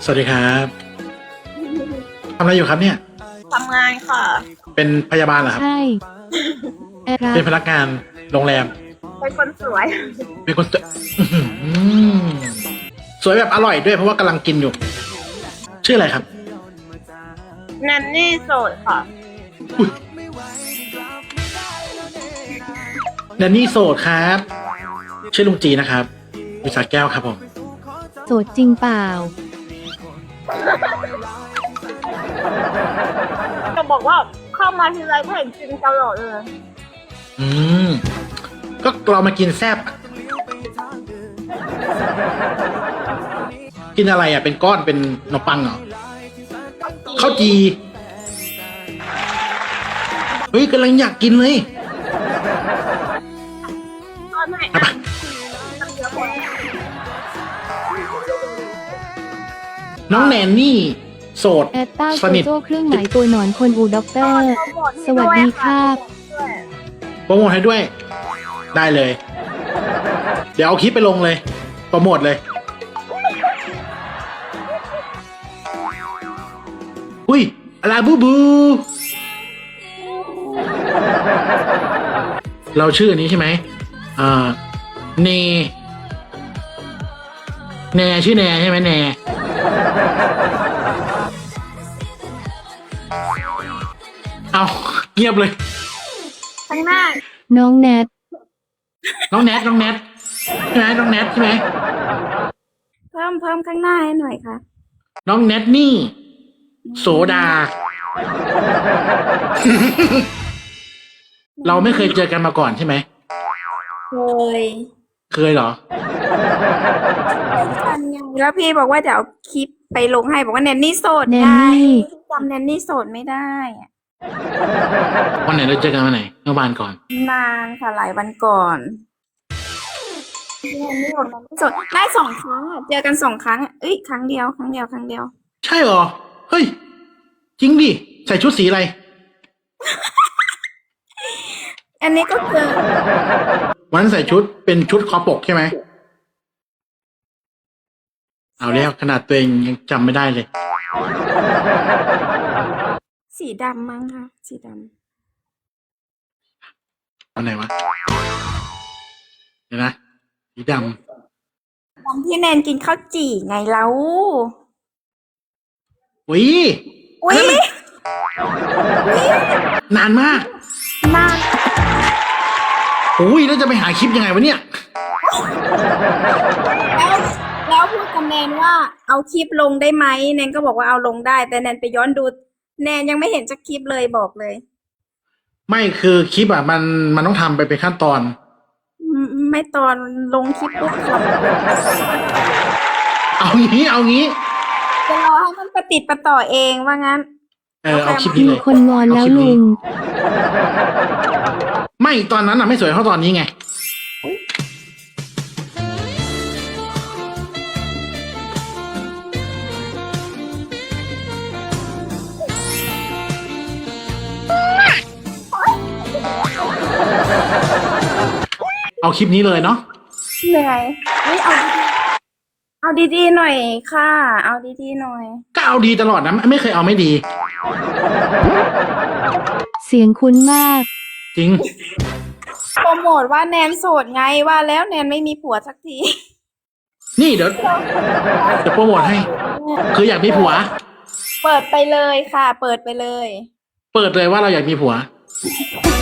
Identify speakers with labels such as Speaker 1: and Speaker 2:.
Speaker 1: สวัสดีครับทำอะไรอยู่ครับเนี่ย
Speaker 2: ทำงานค่ะ
Speaker 1: เป็นพยาบาลเหรอครับ
Speaker 3: ใช่
Speaker 1: เป็นพนักงานโรงแรม
Speaker 2: เป็นคนสวย
Speaker 1: เป็นคนสวยสวยแบบอร่อยด้วยเพราะว่ากำลังกินอยู่ ชื่ออะไรครับ
Speaker 2: แนนนี่โสดค่ะ
Speaker 1: แดนนี่โสดครับชื่อลุงจีนะครับวิสาแก้วครับผม
Speaker 3: โสดจริงเปล่า
Speaker 2: จะบอกว่าเข้ามาทีไรก็เห็นกินตลอดเลย
Speaker 1: อืมก็เรามากินแซ่บกินอะไรอ่ะเป็นก้อนเป็นขนมปังเหรอข้าวจีเฮ้ยกำลังอยากกินเลย
Speaker 2: ก็ไม่
Speaker 1: เอาไปน้องแนนนี่โสด
Speaker 3: แอตตา
Speaker 1: ส
Speaker 3: โซ
Speaker 1: นิท
Speaker 3: โจ้เครื่องหมายตัวหนอนคนอูด็อกเตอร์ สวัสดีครับ
Speaker 1: โปรโมทให้ด้วย ได้เลย เดี๋ยวเอาคลิปไปลงเลย โปรโมทเลย อุ้ยอะไรบูบู เราชื่ออันนี้ใช่ไหมเนแนชื่อแนใช่ไหมแนเอาเงียบเลย
Speaker 2: ข้างหน้า
Speaker 3: น้องแนท
Speaker 1: น้องแนทใช่ไหมน้องแนทใช่ไหม
Speaker 2: เพิ่มข้างหน้าให้หน่อยค่ะ
Speaker 1: น้องแนทนี่ โสดา เราไม่เคยเจอกันมาก่อนใช่ไหม
Speaker 2: เคย
Speaker 1: เคยเหรอ
Speaker 2: แล้วพี่บอกว่าเดี๋ยวเอาคลิปไปลงให้บอกว่าแนนนี่โสด
Speaker 3: แนน
Speaker 2: ไง
Speaker 3: นี่
Speaker 2: จำแนนนี่โสดไม่ได้อะ
Speaker 1: วันไหนเราเจอกันวันไหนเมื่อวานก่อน
Speaker 2: นานค่ะหลายวันก่อนแนนนี่บอกแนนนี่โสดได้2 ครั้งอะเจอกัน2 ครั้งอะครั้งเดียว
Speaker 1: ใช่เหรอ เฮ้ย จริงดิ ใส่ชุดสีอะไร
Speaker 2: อันนี้ก็คือ
Speaker 1: วันนั้นใส่ชุดเป็นชุดคอปกใช่ไหม เอาแล้วขนาดตัวเองยังจำไม่ได้เลย
Speaker 2: สีดำมั้งค่ะสีด
Speaker 1: วันไหนวะ เดี๋ยวนะ สีด
Speaker 2: ำวันที่แนนกินข้าวจี่ไงแล้ว
Speaker 1: ำอุ้ย
Speaker 2: อุ้ย
Speaker 1: นานมาก
Speaker 2: นาน
Speaker 1: อุ้ยแล้วจะไปหาคลิปยังไงวะเนี่ย
Speaker 2: แล้วพูดกับแนนว่าเอาคลิปลงได้ไหมแนนก็บอกว่าเอาลงได้ แต่แนนไปย้อนดูแนนยังไม่เห็นสักคลิปเลยบอกเลย
Speaker 1: ไม่คือคลิปอ่ะมันต้องทำไปเป็นขั้นตอน
Speaker 2: ไม่ตอนลงคลิปปุ๊บค่ะ
Speaker 1: เอางี้
Speaker 2: จะรอให้มันประติดประต่อเองว่างั้น
Speaker 1: เอาคลิปนี้
Speaker 3: มี
Speaker 1: เลย
Speaker 3: คนงอนแล้วลุง
Speaker 1: ไม่ตอนนั้นอ่ะไม่สวยเท่าตอนนี้ไง เอาคลิปนี้เลยเนาะ
Speaker 2: เหนื่อยเอาดีๆหน่อยค่ะ เอาดีๆหน่อย
Speaker 1: ก็เอาดีตลอดนะไม่เคยเอาไม่ดี
Speaker 3: เสียงคุ้นมาก
Speaker 1: จริง
Speaker 2: โปรโมทว่าแนนโสดไงว่าแล้วแนนไม่มีผัวสักที
Speaker 1: นี่เดี๋ยวโปรโมทให้ คืออยากมีผัว
Speaker 2: เปิดไปเลยค่ะ เปิดไปเลย
Speaker 1: เปิดเลยว่าเราอยากมีผัว